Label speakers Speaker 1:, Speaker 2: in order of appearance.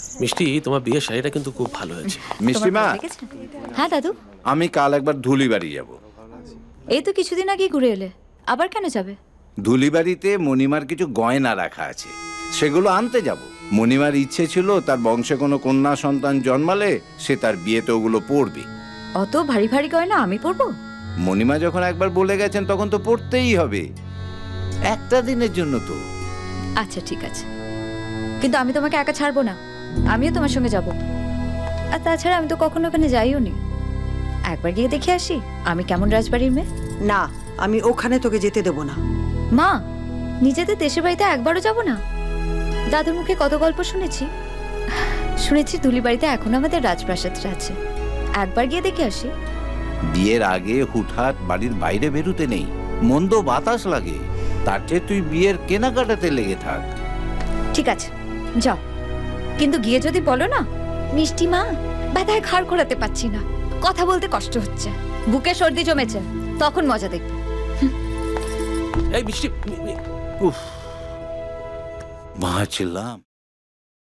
Speaker 1: মিষ্টি, তোমার বিয়ের শাড়িটা কিন্তু খুব ভালো হয়েছে।
Speaker 2: মিষ্টি মা,
Speaker 3: হ্যাঁ দাদু,
Speaker 2: আমি কাল একবার ধুলিবাড়ি যাব।
Speaker 3: এই তো কিছুদিন আগে ঘুরে এলে, আবার কেন যাবে?
Speaker 2: ধুলিবাড়িতে মণিমার কিছু গয়না রাখা আছে, সেগুলো আনতে যাব। মণিমার ইচ্ছে ছিল তার বংশে কোনো কন্যা সন্তান জন্মালে সে তার বিয়েতে ওগুলো পরবে।
Speaker 3: অত ভারী ভারী গয়না আমি পরবো?
Speaker 2: মণিমা যখন একবার বলে গেছেন তখন তো পড়তেই হবে, একটা দিনের জন্য তো।
Speaker 3: আচ্ছা ঠিক আছে, কিন্তু আমি তোমাকে একা ছাড়বো না, আমিও তোমার সঙ্গে যাব। আর তাছাড়া আমি তো কখনো ওখানে যাইও নি, একবার গিয়ে দেখে আসি আমি কেমন রাজবাড়ির মেয়ে।
Speaker 4: না, আমি ওখানে তোকে যেতে দেব না।
Speaker 3: মা, নিজেদের দেশের বাড়িতে একবারও যাব না? দাদুর মুখে কত গল্প শুনেছি, শুনেছি ধুলিবাড়িতে এখন আমাদের রাজপ্রাসাদটা আছে, একবার গিয়ে দেখে আসি।
Speaker 2: বিয়ের আগে হুটহাট বাড়ির বাইরে বেরোতে নেই, মন্দ বাতাস লাগে। তার চেয়ে তুই বিয়ের কেনাকাটাতে লেগে থাক।
Speaker 3: ঠিক আছে যাও, কিন্তু গিয়ে যদি বলো না, মিষ্টি মা ব্যথায় ঘাড় ঘোরাতে পারছি না, কথা বলতে কষ্ট হচ্ছে, বুকে সর্দি জমেছে, তখন মজা দেখবে।
Speaker 1: এই মিষ্টি,
Speaker 2: মা চিল্লাম।